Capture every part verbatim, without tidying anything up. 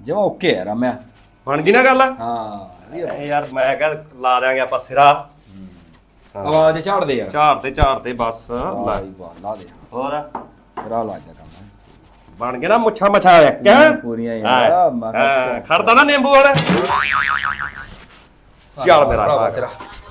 ਜਮਾ ਓਕੇ ਯਾਰ ਮੈਂ ਬਣ ਗਈ ਨਾ ਗੱਲ। ਹਾਂ ਯਾਰ ਮੈਂ ਕਿਹਾ ਲਾ ਦਿਆਂਗੇ ਆਪਾਂ ਸਿਰਾ। ਆਵਾਜ਼ ਝਾੜ ਦੇ ਯਾਰ। ਝਾੜ ਤੇ ਝਾੜ ਤੇ ਬਸ ਲਾ ਲਾ ਦੇ ਹੋਰ ਸਿਰਾ ਲਾ ਜਾ ਕੰਮ ਬਣ ਗਿਆ ਨਾ ਮੁੱਛਾਂ ਮਛਾ ਕਿਆ ਪੂਰੀਆਂ ਯਾਰ। ਹਾਂ ਖੜਦਾ ਨਾ ਨਿੰਬੂ ਵਾਲਾ। ਚੱਲ ਮੇਰਾ ਭਰਾ ਤੇਰਾ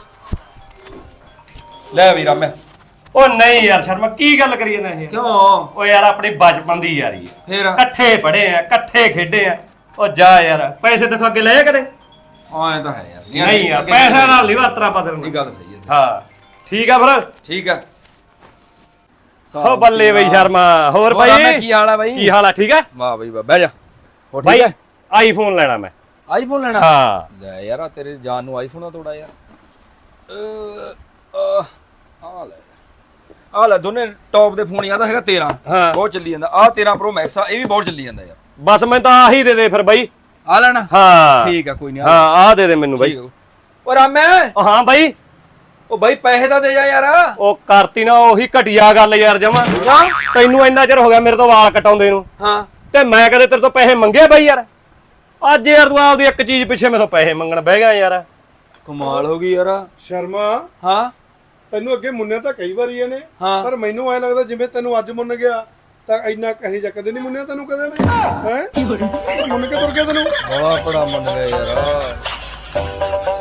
ਲੈ ਵੀਰਾ ਮੈਂ। ਉਹ ਨਹੀਂ ਯਾਰ ਸ਼ਰਮਾ ਕੀ ਗੱਲ ਕਰੀਏ ਨਾ ਇਹ। ਕਿਉਂ ਉਹ ਯਾਰ ਆਪਣੀ ਬਚਪਨ ਦੀ ਯਾਰੀ ਹੈ। ਫੇਰ ਇਕੱਠੇ ਪੜ੍ਹੇ ਆ ਇਕੱਠੇ ਖੇਡੇ ਆ। ਉਹ ਜਾ ਯਾਰ ਪੈਸੇ ਤੇ ਅੱਗੇ ਲਏ ਕਦੇ। ਐਂ ਤਾਂ ਹੈ ਯਾਰ। ਨਹੀਂ ਯਾਰ ਪੈਸੇ ਨਾਲ ਨਹੀਂ ਵਰਤਣਾ ਬਦਲਣਾ। ਇਹ ਗੱਲ ਸਹੀ ਹੈ। ਹਾਂ ਠੀਕ ਆ ਫਿਰ ਠੀਕ ਆ। ਹੋ ਬੱਲੇ ਬਈ ਸ਼ਰਮਾ। ਹੋਰ ਬਾਈ ਕੀ ਹਾਲ ਆ ਬਾਈ? ਕੀ ਹਾਲ ਆ ਠੀਕ ਆ? ਵਾਹ ਬਈ ਵਾਹ ਬਹਿ ਜਾ। ਹੋ ਬਾਈ ਠੀਕ ਹੈ। ਆਈਫੋਨ ਲੈਣਾ ਮੈਂ। ਆਈਫੋਨ ਲੈਣਾ? ਹਾਂ ਲੈ ਯਾਰ ਤੇਰੇ ਜਾਨ ਨੂੰ ਆਈਫੋਨ ਦਾ ਤੋੜਾ ਯਾਰ। ਆ ਲੈ ਆ ਲੈ ਦੋਨੇ ਟੌਪ ਦੇ ਫੋਨ। ਆਦਾ ਹੈਗਾ ਤੇਰਾਂ ਬਹੁਤ ਚੱਲੀ ਜਾਂਦਾ। ਆ ਤੇਰਾਂ ਪ੍ਰੋ ਮੈਕਸ ਆ ਇਹ ਵੀ ਬਹੁਤ ਚੱਲੀ ਜਾਂਦਾ ਯਾਰ। ਬਸ ਮੈਂ ਤਾਂ ਆਹੀ ਦੇ ਦੇ ਫਿਰ ਬਾਈ। ਆ ਲੈਣਾ? ਹਾਂ ਠੀਕ ਆ ਕੋਈ ਨਹੀਂ। ਹਾਂ ਆ ਦੇ ਦੇ ਮੈਨੂੰ ਬਾਈ। ਓ ਰਾਮੇ। ਹਾਂ ਬਾਈ। ਉਹ ਬਾਈ ਪੈਸੇ ਤਾਂ ਦੇ ਜਾ ਯਾਰ। ਉਹ ਕਰਤੀ ਨਾ ਉਹੀ ਘਟਿਆ ਗੱਲ ਯਾਰ ਜਮਾ। ਤੈਨੂੰ ਇੰਨਾ ਚਿਰ ਹੋ ਗਿਆ ਮੇਰੇ ਤੋਂ ਵਾਲ ਕਟਾਉਂਦੇ ਨੂੰ। ਹਾਂ ਤੇ ਮੈਂ ਕਦੇ ਤੇਰੇ ਤੋਂ ਪੈਸੇ ਮੰਗੇ ਬਾਈ ਯਾਰ। ਅੱਜ ਯਾਰ ਤੂੰ ਆਪਦੀ ਇੱਕ ਚੀਜ਼ ਪਿੱਛੇ ਮੇਰੇ ਤੋਂ ਪੈਸੇ ਮੰਗਣ ਬਹਿ ਗਿਆ ਯਾਰ। ਕਮਾਲ ਹੋ ਗਈ ਯਾਰ। ਸ਼ਰਮਾ ਹਾਂ ਤੈਨੂੰ ਅੱਗੇ ਮੁੰਨਿਆ ਤਾਂ ਕਈ ਵਾਰੀ ਇਹਨੇ ਹਾਂ। ਪਰ ਮੈਨੂੰ ਐ ਲੱਗਦਾ ਜਿਵੇਂ ਤੈਨੂੰ ਅੱਜ ਮੁੰਨ ਗਿਆ ਤਾਂ ਇੰਨਾ ਕਹੀ ਜਾ ਕਦੇ ਨਹੀਂ ਮੁੰਨਿਆ ਤੈਨੂੰ ਕਦੇ ਨੇ ਹੈ ਮੁੰਨ ਕੇ ਤੁਰ ਗਿਆ ਤੈਨੂੰ। ਬੜਾ ਬੜਾ ਮੰਨ ਗਿਆ ਯਾਰ।